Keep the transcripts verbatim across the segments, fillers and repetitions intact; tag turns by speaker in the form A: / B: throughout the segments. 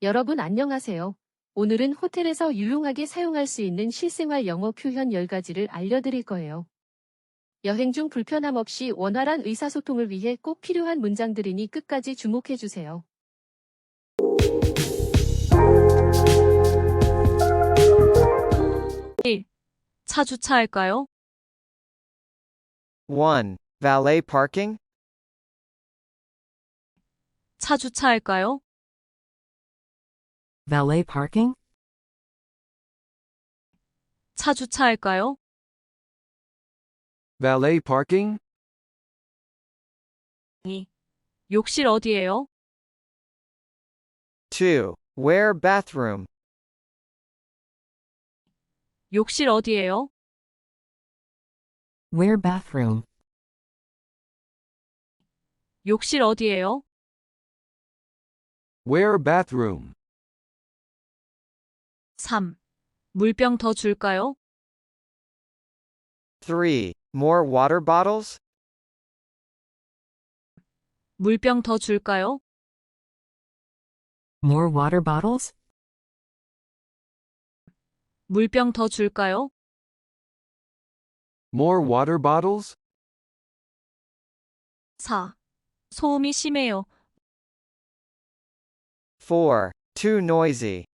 A: 여러분 안녕하세요. 오늘은 호텔에서 유용하게 사용할 수 있는 실생활 영어 표현 열 가지를 알려드릴 거예요. 여행 중 불편함 없이 원활한 의사소통을 위해 꼭 필요한 문장들이니 끝까지 주목해 주세요.
B: 일. 차 주차할까요?
C: one. Valet parking?
B: 차 주차할까요?
D: Valet parking?
B: 차 주차할까요?
E: Valet parking?
B: 이. 욕실 어디예요?
C: two. Where bathroom?
B: 욕실 어디예요?
D: Where bathroom?
B: 욕실 어디예요?
E: Where bathroom?
B: 삼. 물병 더 줄까요?
C: three. More water bottles?
B: 물병 더 줄까요?
D: More water bottles?
B: 물병 더 줄까요?
E: More water bottles?
B: 사. 소음이 심해요.
C: four. Too noisy.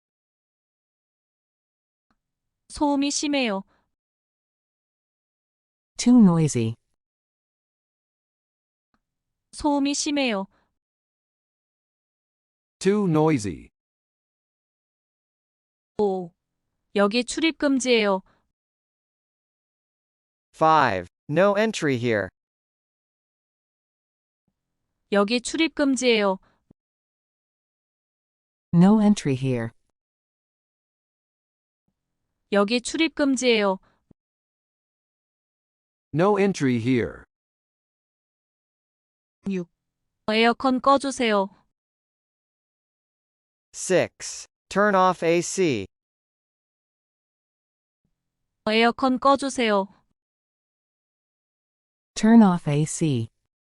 B: 소음이 심해요.
D: Too noisy.
B: 소음이 심해요.
E: Too noisy.
B: 오. 여기 출입 금지예요.
C: five. No entry here.
B: 여기 출입 금지예요.
D: No entry here.
B: 여기 출입 금지예요.
E: No entry here.
B: 육. 에어컨 꺼주세요.
C: six. Turn off 에이씨.
B: 에어컨 꺼주세요.
D: Turn off 에이씨.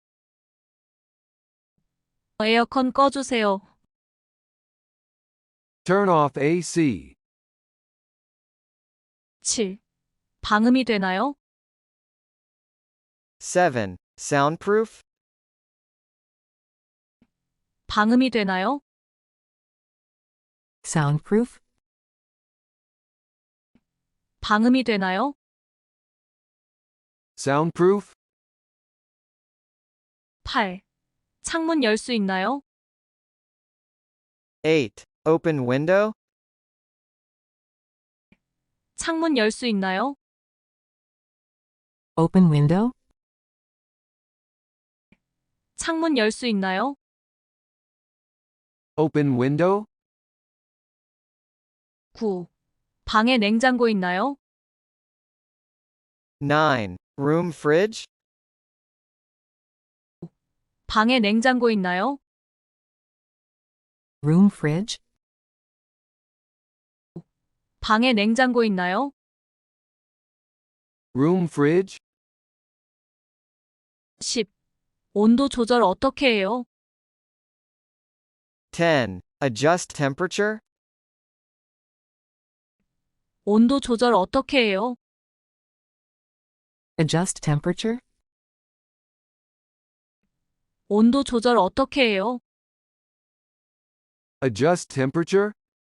B: 에어컨 꺼주세요.
E: Turn off 에이씨.
B: 칠. 방음이 되나요?
C: seven. Soundproof?
B: 방음이 되나요?
D: Soundproof?
B: 방음이 되나요?
E: Soundproof?
B: 팔. 창문 열 수 있나요?
C: eight. Open window?
B: 창문 열 수 있나요?
D: Open window?
B: 창문 열 수 있나요?
E: Open window?
B: 구. 방에 냉장고 있나요?
C: nine. Room fridge?
B: 방에 냉장고 있나요?
D: Room fridge?
B: 방에 냉장고 있나요?
E: Room fridge?
B: 십. 온도 조절 어떻게 해요?
C: ten. Adjust temperature?
B: 온도 조절 어떻게 해요?
D: Adjust temperature?
B: 온도 조절 어떻게 해요?
E: Adjust temperature?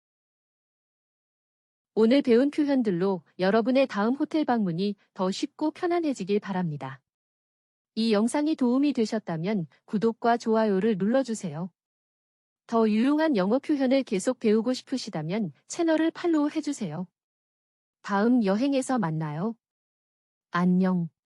A: 오늘 배운 표현들로 여러분의 다음 호텔 방문이 더 쉽고 편안해지길 바랍니다. 이 영상이 도움이 되셨다면 구독과 좋아요를 눌러주세요. 더 유용한 영어 표현을 계속 배우고 싶으시다면 채널을 팔로우 해주세요. 다음 여행에서 만나요. 안녕.